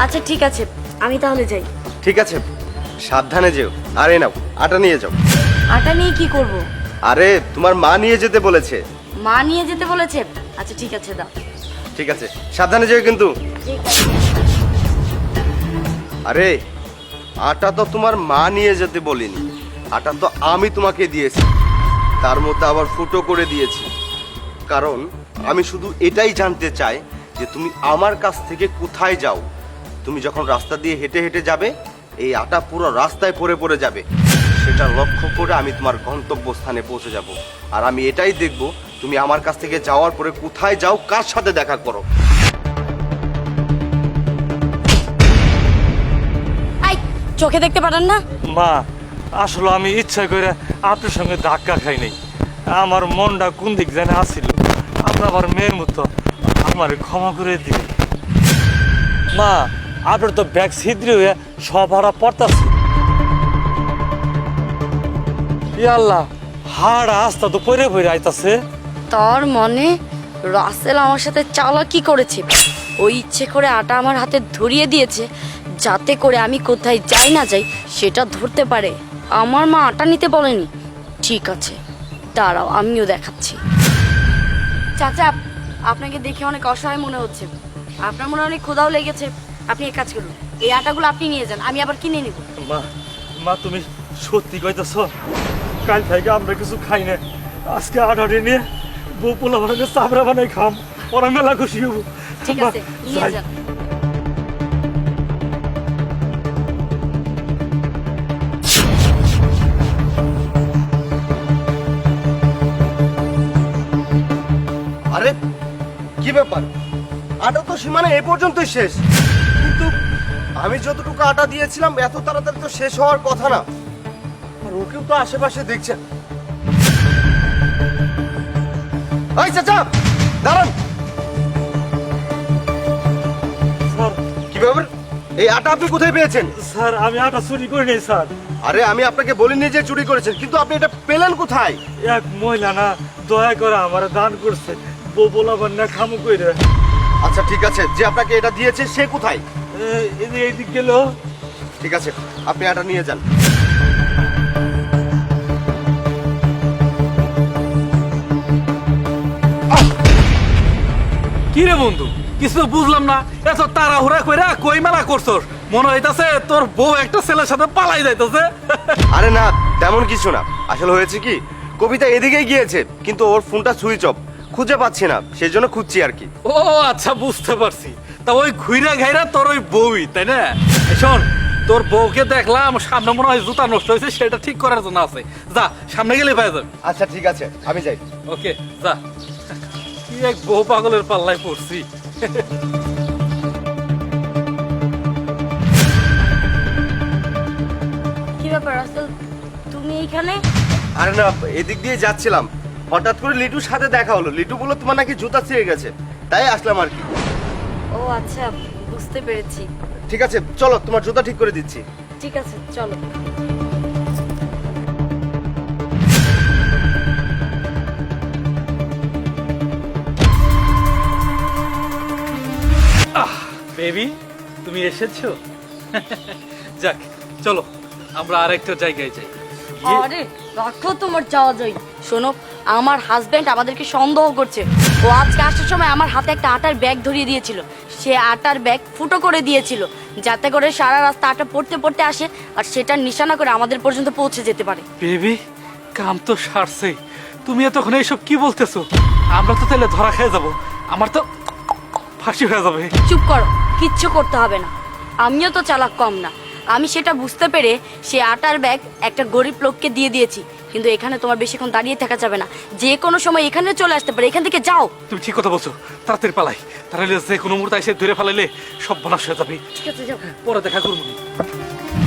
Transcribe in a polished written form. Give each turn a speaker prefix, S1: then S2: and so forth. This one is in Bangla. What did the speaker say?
S1: আচ্ছা ঠিক আছে, আমি তাহলে যাই।
S2: ঠিক আছে, সাবধানে যেও। আরে নাও, আটা নিয়ে যাও।
S1: আটা নিয়ে কি করব?
S2: আরে তোমার মা নিয়ে যেতে বলেছে।
S1: মা নিয়ে যেতে বলেছে? আচ্ছা ঠিক আছে, দাও।
S2: ঠিক আছে, সাবধানে যেও কিন্তু।
S1: ঠিক আছে।
S2: আরে আটা তো তোমার মা নিয়ে যেতে বলিনি, আটা তো আমি তোমাকে দিয়েছি, তার মধ্যে আবার ফুটো করে দিয়েছি। কারণ আমি শুধু এটাই জানতে চাই যে তুমি আমার কাছ থেকে কোথায় যাও। তুমি যখন রাস্তা দিয়ে হেঁটে হেঁটে যাবে, এই আটা পুরো রাস্তায় পড়ে পড়ে যাবে, সেটা লক্ষ্য করে আমি তোমার গন্তব্যস্থানে পৌঁছে যাব। আর আমি এটাই দেখব তুমি আমার কাছ থেকে যাওয়ার পরে কোথায় যাও, কার সাথে দেখা করো।
S1: আই, চোখে দেখতে পারেন না?
S3: মা, আসলে আমি ইচ্ছা করে আপনার সঙ্গে ধাক্কা খাই নাই। আমার মনটা কোন দিক জানে আসছিল। আপনার আমার মেয়ের মতো আমার ক্ষমা করে দিন। মা, আপনার তো ব্যাগ ছিদ্র হয়ে সব হারা পড়তাছে। আল্লাহ, হাড় আস্তা তো পরে পরে আইতাছে।
S1: তার মানে রাসেল আমার সাথে চালাকি করেছে। ওই ইচ্ছে করে আটা আমার হাতে ধরিয়ে দিয়েছে, যাতে করে আমি কোথায় যাই না যাই সেটা ধরতে পারে। আমার মা আটা নিতে বলেনি। ঠিক আছে, দাঁড়াও, আমিও দেখাচ্ছি। চাচা, আপনাকে দেখে অনেক অসহায় মনে হচ্ছে। আপনার মনে অনেক ক্ষুধাও লেগেছে। আপনি এক কাজ করুন, এই আটাগুলো আপনি নিয়ে যান, আমি আবার কিনে নিব।
S3: মা, মা তুমি সত্যি কইতেছ? কাল থেকে আমরা কিছু খাই না, আজকে আটাটি নিয়ে বউ পোলা বানাকে চাবড়া বানাই খাম, ওরা মেলা খুশি হবো।
S1: ঠিক আছে, নিয়ে যান।
S2: আরে কি ব্যাপার, আটা তো সীমানা এ পর্যন্তই শেষ, কিন্তু আমি যতটুকু আটা দিয়েছিলাম এত তাড়াতাড়ি তো শেষ হওয়ার কথা না। আর ওকেও তো আশেপাশে দেখছেন। এই চাচা, দাঁড়ান।
S3: স্যার,
S2: কি ব্যাপার, এই আটা আপনি কোথায় পেয়েছেন?
S3: স্যার আমি আটা চুরি করি নাই স্যার।
S2: আরে আমি আপনাকে বলিনি যে চুরি করেছেন, কিন্তু আপনি এটা পেলেন কোথায়?
S3: এক মহিলা না দয়া করে আমার দান করছে, বউ পোলা বান্না খামু কইরে।
S2: আচ্ছা ঠিক আছে, যে আপনাকে এটা দিয়েছে সে কোথায়?
S3: এইদিক গেল।
S2: ঠিক আছে, আপনি আটা নিয়ে যান।
S4: কি রে বন্ধু, কিছু তো বুঝলাম না। এত তাড়াহুড়া কইরা কই মেলা করছস? মনে হইতাছে তোর বউ একটা ছেলের সাথে পালাই যাইতাছে।
S2: আরে না, তেমন কিছু না। আসলে হয়েছে কি, কবিতা এদিকেই গিয়েছে, কিন্তু ওর ফোনটা সুইচ অফ, খুঁজে পাচ্ছি না, সেই জন্য খুঁজছি আর কি।
S4: ও আচ্ছা, বুঝতে পারছি। তা ওই ঘুইরা ঘাইরা তোর ওই বউই, তাই না? এই শোন, তোর বউকে দেখলাম সামনে মনে হয় জুতা নষ্ট হয়েছে, সেটা ঠিক করার জন্য আছে। যা, সামনে গেলে পাই যাবে।
S2: আচ্ছা ঠিক আছে, আমি যাই।
S4: ওকে, যা। কি এক বউ পাগলের পাল্লায় পড়ছি।
S1: কি ব্যাপার রাসেল, তুমি এইখানে?
S2: আরে না, এদিক দিয়ে যাচ্ছিলাম, হঠাৎ করে লিটুর সাথে দেখা হলো। লিটু বললো তোমার নাকি জুতা ছিঁড়ে গেছে, তাই আসলাম আর কি।
S1: ও আচ্ছা, বুঝতে পেরেছি।
S2: ঠিক আছে চলো, তোমার জুতা ঠিক করে দিচ্ছি।
S1: ঠিক আছে, চলো।
S4: বেবি, তুমি এসেছো? যাক, চলো আমরা আরেকটা জায়গায় যাই।
S1: আরে রাখো তোমার যাওয়া যাই। শোনো, আমার হাজবেন্ড আমাদেরকে সন্দেহ করছে। ও আজকে আসার সময় আমার হাতে একটা আটার ব্যাগ ধরিয়ে দিয়েছিল। সে আটার ব্যাগ ফুটো করে দিয়েছিল, যাতে করে সারা রাস্তা আটা পড়তে পড়তে আসে, আর সেটা নিশানা করে আমাদের পর্যন্ত পৌঁছে যেতে পারে।
S4: বেবি, কাম তো সারছে। তুমি এতক্ষণ এইসব কি বলতেছো? আমরা তো তাহলে ধরা খেয়ে যাবো, আমার তো ফাঁসি হয়ে যাবে।
S1: চুপ করো, কিচ্ছু করতে হবে না। আমিও তো চালাক কম না। আমি সেটা বুঝতে পেরে সে আটার ব্যাগ একটা গরিব লোককে দিয়ে দিয়েছি। কিন্তু এখানে তোমার বেশিক্ষণ দাঁড়িয়ে থাকা যাবে না, যে কোনো সময় এখানে চলে আসতে পারে। এখান থেকে যাও।
S4: তুমি ঠিক কথা বলছো, তাড়াতাড়ি পালাই। তাহলে যে কোনো মুহূর্তে এসে ধরে ফেলাইলে সব বনাশ হয়ে যাবে।
S1: ঠিক আছে, যাও।
S4: পরে দেখা করবো।